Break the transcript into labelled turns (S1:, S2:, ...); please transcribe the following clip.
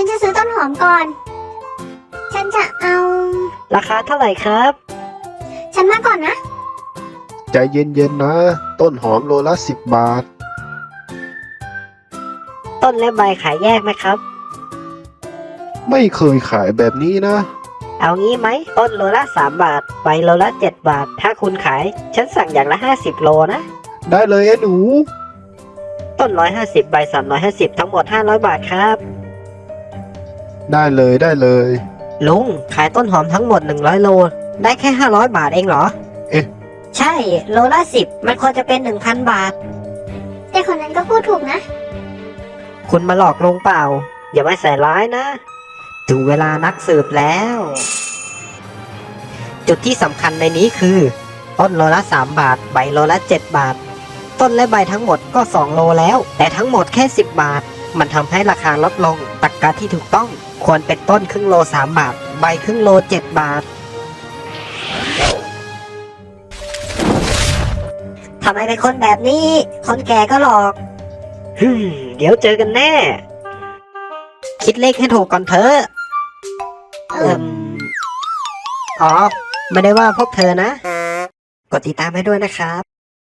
S1: จะซื้อต้นหอมก่อน ฉันจะเอา
S2: ราคาเท่าไหร่ครับ
S1: ฉันมาก่อนนะ
S3: ใจเย็นๆนะ ต้นหอมโลละ10 บาท
S2: ต้นและใบขายแยกไหมครับ
S3: ไม่เคยขายแบบนี้นะ
S2: เอางี้ไหมต้นโลละ3 บาทใบโลละ7 บาท ถ้าคุณขาย ฉันสั่งอย่างละ50 โลนะ
S3: ได้เลยไอ้หนู
S2: ต้น150ใบ350ทั้งหมด500 บาทครับ
S3: ได้เลยได้เลย
S2: ลุงขายต้นหอมทั้งหมด100 โล ได้แค่500 บาทเองเหรอ
S3: เอ๊ะ
S2: ใช่โลละ10มันควรจะเป็น 1,000 บาท
S1: แต่คนนั้นก็พูดถูกนะ
S2: คุณมาหลอกลุงเปล่า อย่ามาใส่ร้ายนะ ถึงเวลานักสืบแล้ว จุดที่สำคัญในนี้คือ ต้นโลละ3 บาท ใบโลละ7 บาท ต้นและใบทั้งหมดก็2 โลแล้ว แต่ทั้งหมดแค่10 บาท มันทำให้ราคาลดลงตรรกะที่ถูกต้อง ควรเป็นต้นครึ่งโล3 บาท ใบครึ่งโล7 บาททำไมเป็นคนแบบนี้ คนแก่ก็หลอกเดี๋ยวเจอกันแน่ คิดเลขให้ถูกก่อนเถอะอ๋อ ไม่ได้ว่าพวกเธอนะ กดติดตามให้ด้วยนะครับ